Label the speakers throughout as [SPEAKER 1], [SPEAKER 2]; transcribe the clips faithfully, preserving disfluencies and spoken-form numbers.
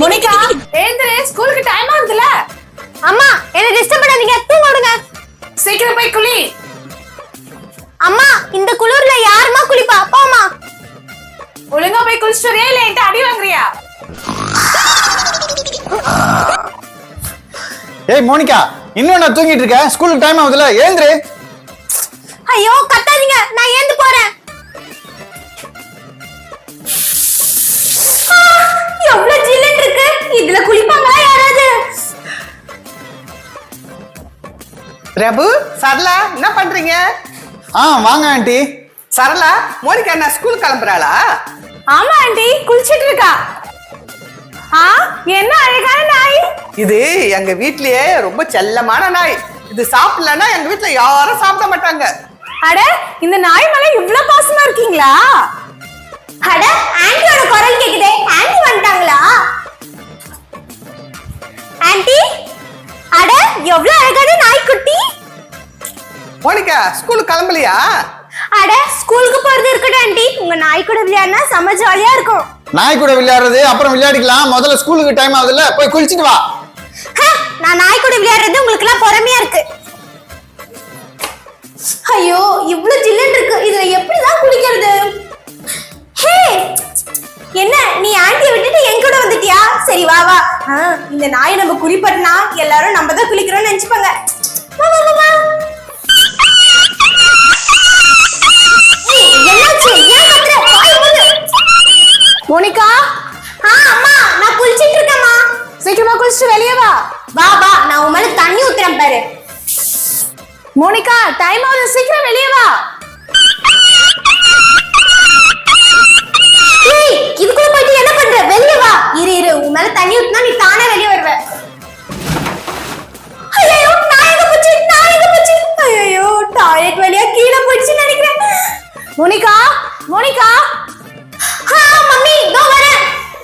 [SPEAKER 1] Monica ஏந்திரே ஸ்கூலுக்கு time ஆகுதுல.
[SPEAKER 2] அம்மா என்ன டிஸ்டர்ப் பண்ணாதீங்க, தூங்குங்க.
[SPEAKER 1] சீக்கிரம் போய் குளி.
[SPEAKER 2] அம்மா இந்த குளிர்ல யாருமா குளிப்பா? அப்பா அம்மா.
[SPEAKER 1] ஒழுங்கா போய் குளிச்சிட்டு வரியா இல்ல என்கிட்ட அடி வாங்குறியா?
[SPEAKER 3] ஏய் மோனிகா, இன்னும் நான் தூங்கிட்டு இருக்கேன். ஸ்கூலுக்கு டைம் ஆகுதுல, ஏந்திரு.
[SPEAKER 2] ஐயோ கத்தாதீங்க, நான் ஏந்து போறேன். எவ்வளவு ஜில்லுன்னு இருக்கு, இதுல குளிப்பாங்களா யாராவது?
[SPEAKER 4] பிரபு, சரளா என்ன பண்றீங்க?
[SPEAKER 3] ஆ வாங்க ஆண்டி.
[SPEAKER 4] சரளா, மோனிகா என்ன ஸ்கூல் கிளம்புறாளா?
[SPEAKER 1] ஆமா ஆண்டி, குளிச்சிட்டு இருக்கா. ஆ என்ன அழகான நாய்.
[SPEAKER 4] இது எங்க வீட்லயே ரொம்ப செல்லமான நாய். இது சாப்பிடலன்னா எங்க வீட்ல யாரும் சாப்பிட மாட்டாங்க.
[SPEAKER 1] அட இந்த நாய் மேல இவ்ளோ பாசமா இருக்கீங்களா?
[SPEAKER 2] அட ஆன்ட்டியோட குரல் கேக்குதே, ஆன்ட்டி வந்துட்டாங்களா? ஆன்ட்டி, அட எவ்வளவு அழகான நாய்க்குட்டி.
[SPEAKER 4] மோனிகா ஸ்கூலுக்கு கிளம்பலையா?
[SPEAKER 2] அட ஸ்கூலுக்கு போறது இருக்கட்டும் ஆன்ட்டி, உங்க நாய் கூட விளையாடினா செம ஜாலியா இருக்கும்.
[SPEAKER 3] நாய் கூட விளையாடுறது அப்புறம் விளையாடிக்கலாம். முதல்ல ஸ்கூலுக்கு டைம் ஆகுதுல, போய் குளிச்சிட்டு வா.
[SPEAKER 2] நான் நாய் கூட விளையாடுறது உங்களுக்கு எல்லாம் பொறுமையா இருக்கு. ஐயோ இவ்ளோ ஜில்லுன்னு இருக்கு, இதுல எப்படிதான் குளிக்கிறது? ஹே என்ன நீ ஆன்ட்டியை விட்டுட்டு என் கூட வந்துட்டியா? சரி வா வா. இந்த நாயை நம்ம குளிப்பட்டனா எல்லாரும் நம்ம தான் குளிக்கிறோம்னு நினைச்சுப்பாங்க. வா வா வா. என்னாச்சு? ஏன் கத்துற? வாய் மூடு.
[SPEAKER 1] மோனிகா,
[SPEAKER 2] ஆ அம்மா நான் குளிச்சிட்டு இருக்கேம்மா.
[SPEAKER 1] சீக்கிரமா குளிச்சிட்டு வெளியே வா.
[SPEAKER 2] வா வா, நான் உன் மேல தண்ணி ஊத்துறேன் பாரு.
[SPEAKER 1] மோனிகா டைம் ஆகுது, சீக்கிரம் வெளியே வா.
[SPEAKER 2] ஏய் இதுக்குள்ள போயிட்டு என்ன பண்ற? வெளியே வா. இரு இரு, உன் மேல தண்ணி ஊத்துனா நீ தானே வெளியே வருவ. ஐயோ நான் எங்க போச்சு? நான் எங்க போச்சு? ஐயோ டாய்லெட் வழியா கீழே போயிடுச்சுன்னு நினைக்கிறேன்.
[SPEAKER 1] Monica, Monica.
[SPEAKER 2] ஆ மம்மி இதோ வரேன்.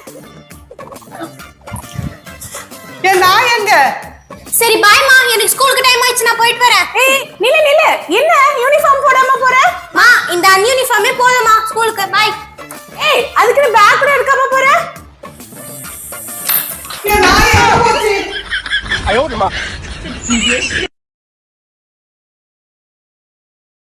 [SPEAKER 4] என் நாய் எங்க?
[SPEAKER 2] சரி பாய்மா, எனக்கு ஸ்கூலுக்கு டைம் ஆயிடுச்சு, நான் போயிட்டு வரேன்.
[SPEAKER 1] ஏய் நில்லு நில்லு, என்ன யூனிஃபார்ம் போடாம போற?
[SPEAKER 2] மா இந்த அன்யூனிஃபார்மே போதுமா ஸ்கூலுக்கு? பாய்.
[SPEAKER 1] ஏய் அதுக்கு நீ பேக் கூட எடுக்காம போற?
[SPEAKER 4] என் நாய் எங்க போச்சு?